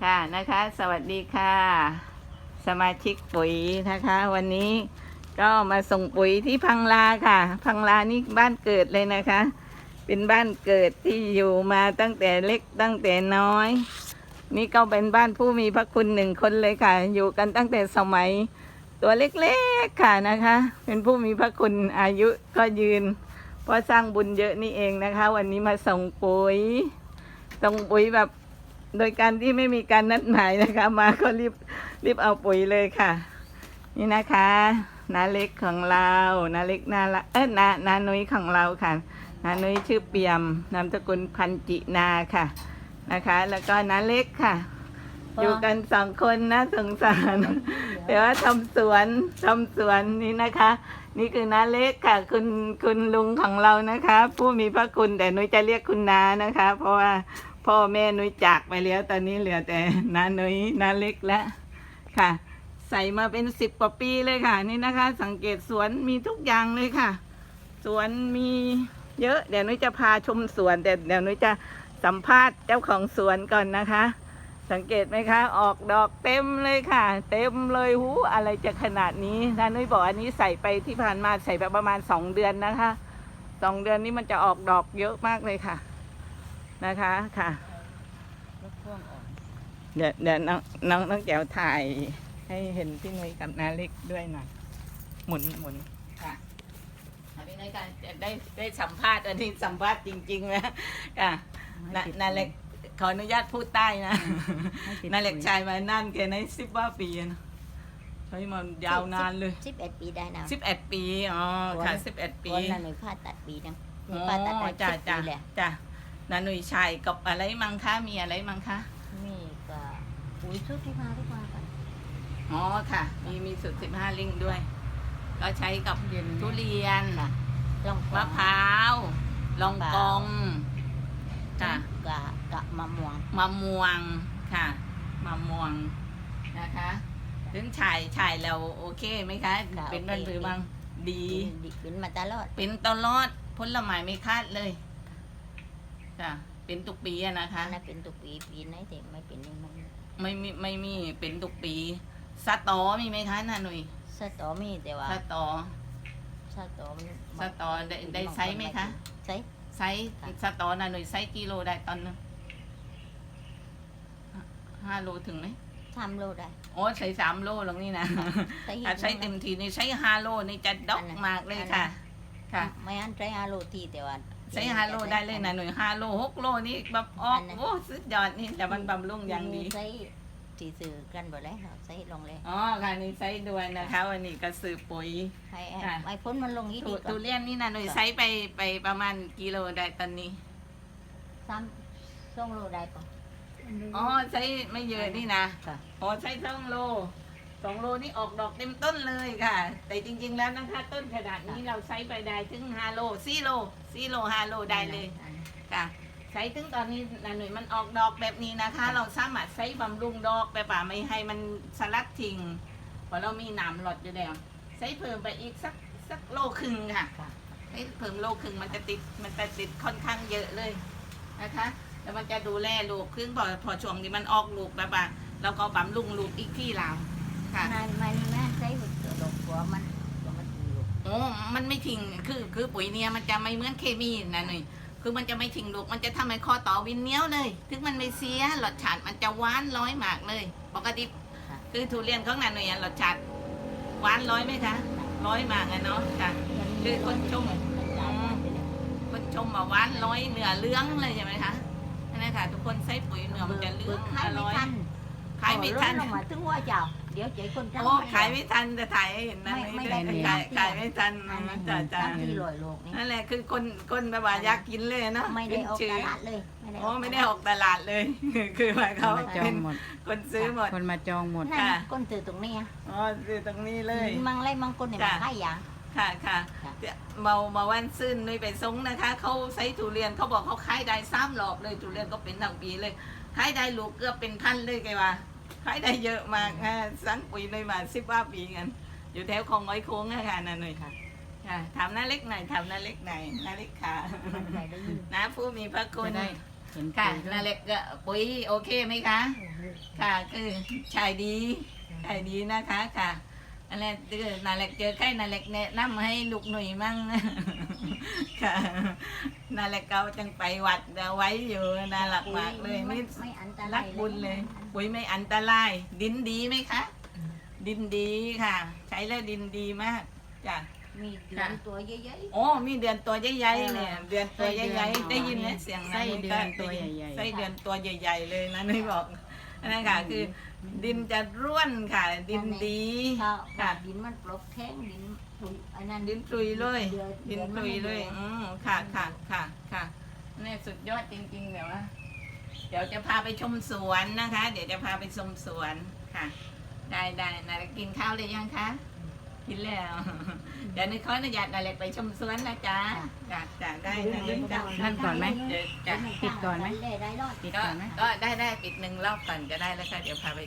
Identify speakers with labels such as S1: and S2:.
S1: ค่ะนะคะสวัสดีค่ะ สมาชิกปุ๋ยนะคะ วันนี้ก็มาส่งปุ๋ยที่พังลาค่ะ พังลานี่บ้านเกิดเลยนะคะ เป็นบ้านเกิดที่อยู่มาตั้งแต่เล็กตั้งแต่น้อย นี่ก็เป็นบ้านผู้มีพระคุณหนึ่งคนเลยค่ะ อยู่กันตั้งแต่สมัยตัวเล็กๆค่ะนะคะ เป็นผู้มีพระคุณอายุก็ยืนเพราะสร้างบุญเยอะนี่เองนะคะ วันนี้มาส่งปุ๋ยแบบโดยการที่ไม่มีการนัดหมายนะคะ มาก็รีบเอาปุ๋ยเลยค่ะ นี่นะคะนาเล็กของเรานาเล็กนาละนานุ้ยของเราค่ะนานุ้ยชื่อเปี่ยมนามสกุลพันจินาค่ะนะคะ แล้วก็นาเล็กค่ะ อยู่กัน2 คนนะสงสารแต่ว่าทำสวนนี่นะคะ นี่คือนาเล็กค่ะคุณลุงของเรานะคะ ผู้มีพระคุณแต่นุ้ยจะเรียกคุณนานะคะ เพราะว่าพ่อแม่นุ้ยจากไปแล้วตอนนี้เหลือแต่นานุ้ยนาเล็กแล้วค่ะ ใส่มาเป็น10 กว่าปีเลยค่ะนี่นะคะ สังเกตสวนมีทุกอย่างเลยค่ะ สวนมีเยอะเดี๋ยวนุ้ยจะพาชมสวนแต่เดี๋ยวนุ้ยจะสัมภาษณ์เจ้าของสวนก่อนนะคะ สังเกตไหมคะออกดอกเต็มเลยค่ะ เต็มเลยหูอะไรจะขนาดนี้นะนุ้ยบอกอันนี้ใส่ไปที่ผ่านมาใส่ไปประมาณ2 เดือนนะคะ2 เดือนนี้มันจะออกดอกเยอะมากเลยค่ะนะคะค่ะเดี๋ยวน้องแจ๋วถ่ายให้เห็นพี่นุ้ยกับนาเล็กด้วยหน่อยหมุนค่ะพี่นุ้ยกันจะได้สัมภาษณ์อันนี้สัมภาษณ์จริงๆนะค่ะนาเล็กขออนุญาตพูดใต้นะนาเล็กชายมานั่นแกใน10 ว่าปีนะใช้มันยาวนานเลย
S2: 11 ปีได้นะ
S1: 11 ปีอ๋อค่ะ11 ปี
S2: วันนั้นหนูผ่าตัดปีนึง
S1: ผ่าตัดจ้ะนาหนุ่ยชายกับอะไรมั้งคะมีอะไรมั้งคะ
S2: มีก็ปุ๋ยชุดที่มาทุกวันกัน
S1: อ๋อค่ะมีสูตร15 ลิงด้วยก็ใช้กับทุเรียนมะพร้าวลองกองค่ะ
S2: กับมะม่วง
S1: ค่ะมะม่วงนะคะถึงชายเราโอเคไหมคะเป็นบ้านหรือบ้างดี
S2: เป็นมาตลอด
S1: ผลไม้ไม่คาดเลยค่ะเป็นทุกปีนะคะ
S2: น่าเป็นทุกปีไหนแต่ไม่เป็น
S1: ไม่มีเป็นทุกปีสตอมีไหมคะน่ะหนุ่ย
S2: สตอมีแต่ว่า
S1: สตอได้ไซส์ไหมคะ
S2: ไซส์
S1: สตอน่ะหนุ่ยไซส์กิโลได้ตอนนึง5 โลถึงไหม
S2: 3 โลได้
S1: โอ้ใช้3 โลหรอกนี่นะใช้เต็มทีนี่ใช้5 โลนี่จะดอกมากเลยค่ะค่ะ
S2: ไม่อันใช้5 โลทีแต่ว่า
S1: ใช้5 โลได้เลยนะหน่วย5 โล6 โลนี่แบบออกโอ้สุดยอดนี่แต่มันบำรุงอย่างดี
S2: ใช้ที่ซื้อกันบ่ได้ใช้ลงเลย
S1: อ๋อค่ะนี่ใช้ด้วยนะคะวันนี้ก็ซื้อปุ๋ย
S2: ไอ้พ้นมันลงนี้ดี
S1: ทุเรียนนี่นะหน่วยใช้ไปประมาณกิโลได้ตอนนี้
S2: 2 โลได้ปะ
S1: อ๋อใช้ไม่เยอะนี่นะอ๋อใช้2 โลนี่ออกดอกเต็มต้นเลยค่ะแต่จริงๆแล้วนะคะต้นขนาดนี้เราใช้ไปได้ถึง5 โล4 โล5 โลได้เลยค่ะใช้ถึงตอนนี้หน่วยมันออกดอกแบบนี้นะคะ เราสามารถใช้บำรุงดอกแบบไม่ให้มันสลัดทิ้งเพราะเรามีหนามหลอดอยู่แล้วใช้เพิ่มไปอีกสัก1.5 โลค่ะใช้เพิ่ม1.5 โลมันจะติดค่อนข้างเยอะเลยนะคะแล้วมันจะดูแลลูกขึ้นพอช่วงนี้มันออกลูกแบบว่าเราก็บำรุงลูกอีกที่เราค่ะ
S2: ไม่ใช้ดอกหัวมัน
S1: โอ้มันไม่ทิ้งคือปุ๋ยเนี่ยมันจะไม่เหมือนเคมีนะหน่อยคือมันจะไม่ทิ้งลูกมันจะทำให้คอต่อวินเนี้ยวเลยถึงมันไม่เสียรสชาติมันจะหวานร้อยมากเลยปกติคือทุเรียนของนันหน่อยรสชาติหวานร้อยไหมคะร้อยมากเนาะค่ะคือคนชมว่าหวานร้อยเนื้อเลื้องเลยใช่ไหมคะนั่นค่ะทุกคนใช้ปุ๋ยเนื้อมันจะเลื้องอร่อยขายไม่ทัน
S2: มาถึงว่าเจ้าเดี๋ยวใจคน
S1: โอ้ขายไม่ทันจะถ่ายให้เห็นนะไม่ได้ขายไม่ทันจ้านั่นแหละคือคนแบบว่าอยากกินเลยเนาะ
S2: ไม่ได้ออกตลาดเลย
S1: โอ้ไม่ได้ออกตลาดเลยคือหมายเขาเป็นคนซื้อหมด
S3: คนมาจองหมด
S2: ค่ะคนซื้อตรงนี้
S1: อ๋อซื้อตรงนี้เลย
S2: บางคนเนี่ยมาขายอย่าง
S1: ค่ะมาวันซื่นเลยไปซงนะคะเขาใช้ทุเรียนเขาบอกเขาขายได้3 รอบเลยทุเรียนก็เป็นทั้งปีเลยขายได้ลูกเกือบเป็นพันเลยแกว่าขายได้เยอะมากสั่งปุ๋ยเลยมา10 ว่าปีกันอยู่แถวคลองอ้อยโค้งนะคะนั่นเลยค่ะถามน้าเล็กหน่อยนาเล็กค่ะน้าผู้มีพระคุณ
S3: เห็น
S1: ค่ะ
S3: ปุ๋ยด้วย
S1: นาเล็กก็ปุ๋ยโอเคไหมคะ ค่ะคือชายดีชายดีนะคะค่ะอันนี้คือนาเล็กเจอใครนาเล็กแนะนำให้ลูกหนุ่ยมั่ง ค่ะนาเล็กเขาจังไปวัดเอาไว้อยู่น่ารักมากเลยนี่
S2: ไม่อันต
S1: รั
S2: ราก ย
S1: บุญเลย ปุ๋ยไม่อันตราย ดินดีไหมคะ ดินดีค่ะ ใช้แล้วดินดีมากจ้ะ
S2: มีเดือนตัวใหญ่
S1: โอ้มีเดือนตัวใหญ่ๆเนี่ยเดือนตัวใหญ่ๆได้ยินไหมเสียง
S3: ไส้เดือนตัวใหญ่ๆ
S1: ไส้เดือนตัวใหญ่ๆเลยนะนี่บอกอันนั่นค่ะคือ ดินจะร่วนค่ะ ดินดี
S2: ๆถ้า
S1: ค่ะ
S2: ดินมันปลอกแข็งดินปุ๋ยอันนั้น
S1: ดินตุยเลย
S2: เดือน
S1: ดินตุยเลย ค่ะค่ะค่ะค่ะนี่สุดยอดจริงๆเดี๋ยวว่าเดี๋ยวจะพาไปชมสวนนะคะ เดี๋ยวจะพาไปชมสวนค่ะ ได้นาเล็กกินข้าวเลยยังคะกินแล้ว เดี๋ยวนึกขออนุญาตนาเล็กไปชมสวนนะจ๊ะจ้ะได้นาเล็กจ้ะ
S3: นั่นก่อนไหม
S1: จ้ะ
S3: ปิดก่อนไหม
S2: ได้รอด
S3: ปิด
S1: ก็
S3: ก่อนไหม
S1: ก็ได้ปิดหนึ่งรอบก่อนก็ได้แล้วค่ะเดี๋ยวพาไป